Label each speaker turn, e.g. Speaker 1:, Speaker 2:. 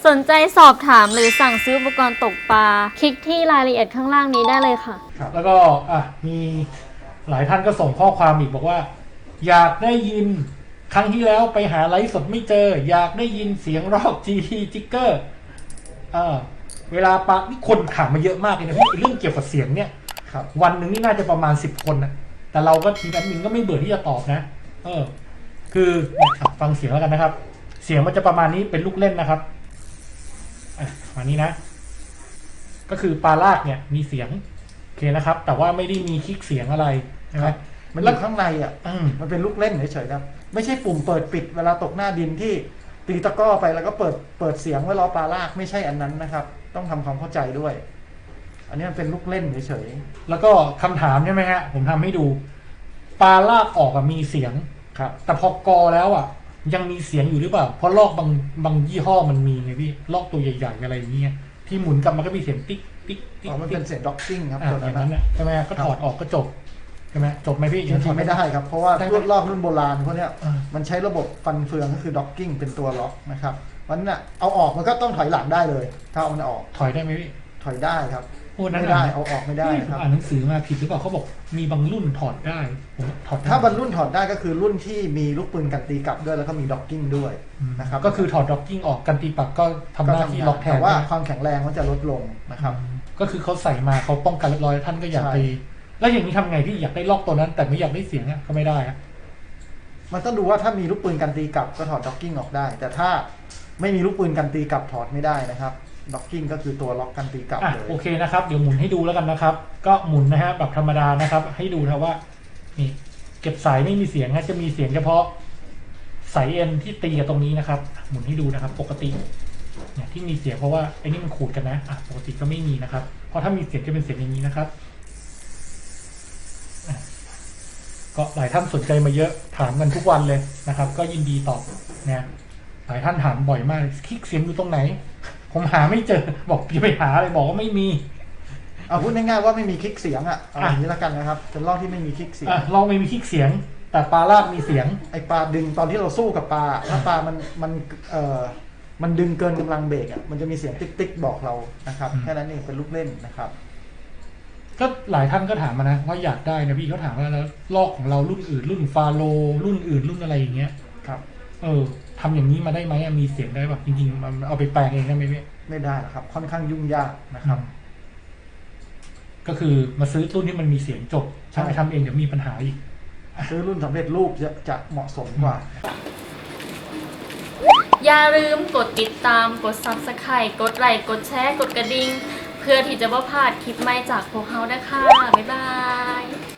Speaker 1: สนใจสอบถามหรือสั่งซื้ออุปกรณ์ตกปลาคลิกที่รายละเอียดข้างล่างนี้ได้เลยค่ะ
Speaker 2: ครับแล้วก็มีหลายท่านก็ส่งข้อความอีกบอกว่า อยากได้ยินครั้งที่แล้วไปหาไลฟ์สดไม่เจอ อยากได้ยินเสียงรอบ GT จิกเกอร์เวลาปะนี่คนถามมาเยอะมากเลยนะพี่เรื่องเกี่ยวกับเสียงเนี่ยครับวันหนึ่งนี่น่าจะประมาณ10 คนนะแต่เราก็ทีมแอดมินก็ไม่เบื่อที่จะตอบนะคือฟังเสียงแล้วกันนะครับ เสียงมันจะประมาณนี้เป็นลูกเล่นนะครับประมาณนี้นะ ก็คือปลาลากเนี่ยมีเสียงโอเคนะครับ แต่ว่าไม่ได้มีคลิกเสียงอะไรใช่ไหม
Speaker 3: มันอยู่ข้างในมันเป็นลูกเล่นเฉยๆครับไม่ใช่ปุ่มเปิดปิดเวลาตกหน้าดินที่ตีตะก้อไปแล้วก็เปิดเสียงไว้รอปลาลากไม่ใช่อันนั้นนะครับต้องทำความเข้าใจด้วย อันนี้มันเป็นลูกเล่นเฉย
Speaker 2: ๆแล้วก็คำถามใช่ไหมฮะผมทำให้ดูปลาลากออกมีเสียงครับแต่พอกอแล้วยังมีเสียงอยู่หรือเปล่าเพราะลอกบางยี่ห้อมันมีไงพี่ลอกตัวใหญ่ๆอะไรอย่างเงี้ยที่หมุนกลับมันก็มีเสียงติ๊กติ๊กติ๊ก
Speaker 3: มันเป็นเสียงด็อกกิ้งครับ
Speaker 2: ตัวนั้นใช่ไหมก็ถอดออกก็จบใช่ไหมจบไหมพี่
Speaker 3: ยังถอดไม่ได้ครับเพราะว่าลอกรุ่นโบราณพวกนี้มันใช้ระบบฟันเฟืองก็คือด็อกกิ้งเป็นตัวล็อกนะครับวันนั้นเอาออกมันก็ต้องถอยหลังได้เลยถ้าเอามันออก
Speaker 2: ถอยได้ไหมพี่
Speaker 3: ถอยได้ครับ
Speaker 2: ไม่
Speaker 3: ได้เอาออกไม่ได้ครับ
Speaker 2: อ่านหนังสือมาผิดหรือเปล่าเขาบอกมีบางรุ่นถอดได้
Speaker 3: ถ้าบางรุ่นถอดได้ก็คือรุ่นที่มีลูกปืนกันตีกลับด้วยแล้วก็มีด็อกกิ้งด้วยนะครับ
Speaker 2: ก็คือถอดด็อกกิ้งออกกันตีปักก็ทำหน้าที่ล็อกแทน
Speaker 3: แต่ว่าความแข็งแรงมันจะลดลงนะครับ
Speaker 2: ก็คือเขาใส่มาเขาป้องกันเรียบร้อยท่านก็อยากไปแล้วอย่างนี้ทำไงพี่อยากได้ล็อกตัวนั้นแต่ไม่อยากได้เสียงก็ไม่ได้
Speaker 3: มันต้องดูว่าถ้ามีลูกปืนกันตีกลับก็ถอดด็อกกิ้งออกได้แต่ถ้าไม่มีลูกปืนกันตีกลับถอดไม่ได้นะครับด็อกกิ้งก็คือตัวล็อกกันตีกลับเลย
Speaker 2: โอเคนะครับเดี๋ยวหมุนให้ดูแล้วกันนะครับก็หมุนนะฮะแบบธรรมดานะครับให้ดูนะว่านี่เก็บสายไม่มีเสียงนะจะมีเสียงเฉพาะสายเอ็นที่ตีกับตรงนี้นะครับหมุนให้ดูนะครับปกติเนี่ยที่มีเสียงเพราะว่าไอ้นี่มันขูดกันนะปกติก็ไม่มีนะครับเพราะถ้ามีเสียงจะเป็นเสียงอย่างนี้นะครับก็หลายท่านสนใจมาเยอะถามกันทุกวันเลยนะครับก็ยินดีตอบเนี่ยหลายท่านถามบ่อยมากคลิกเสียงอยู่ตรงไหนผมหาไม่เจอบอกอย่าไปหาเลยบอกว่าไม่มี
Speaker 3: เอาพูดง่ายๆว่าไม่มีคลิกเสียงอย่างนี้แล้วกันนะครับเป็นลอกที่ไม่มีคลิกเสียง
Speaker 2: ลองไม่มีคลิกเสียงแต่ปลาลากมีเสียง
Speaker 3: ไอปลาดึงตอนที่เราสู้กับปลาถ้าปลามันดึงเกินกำลังเบรกมันจะมีเสียงติ๊กๆบอกเรานะครับแค่นั้นเองเป็นลูกเล่นนะครับ
Speaker 2: ก็หลายท่านก็ถามมานะว่าอยากได้นะพี่เขาถามว่าแล้วลอกของเรารุ่นอื่นรุ่นฟาโลรุ่นอื่นรุ่นอะไรอย่างเงี้ย
Speaker 3: ครับ
Speaker 2: ทำอย่างนี้มาได้ไหมมีเสียงได้ป่ะจริงๆมันเอาไปแปลงเองได้ไหมพี่
Speaker 3: ไม่ได้ครับค่อนข้างยุ่งยากนะครับ
Speaker 2: ก็คือมาซื้อรุ่นที่มันมีเสียงจบถ้าไปทำเองเดี๋ยวมีปัญหาอีก
Speaker 3: ซื้อรุ่นสำเร็จรูปจะเหมาะสมกว่า
Speaker 1: อย่าลืมกดติดตามกด Subscribe กดไลค์กดแชร์กดกระดิ่งเพื่อที่จะไม่พลาดคลิปใหม่จากพวกเรานะคะบ๊ายบาย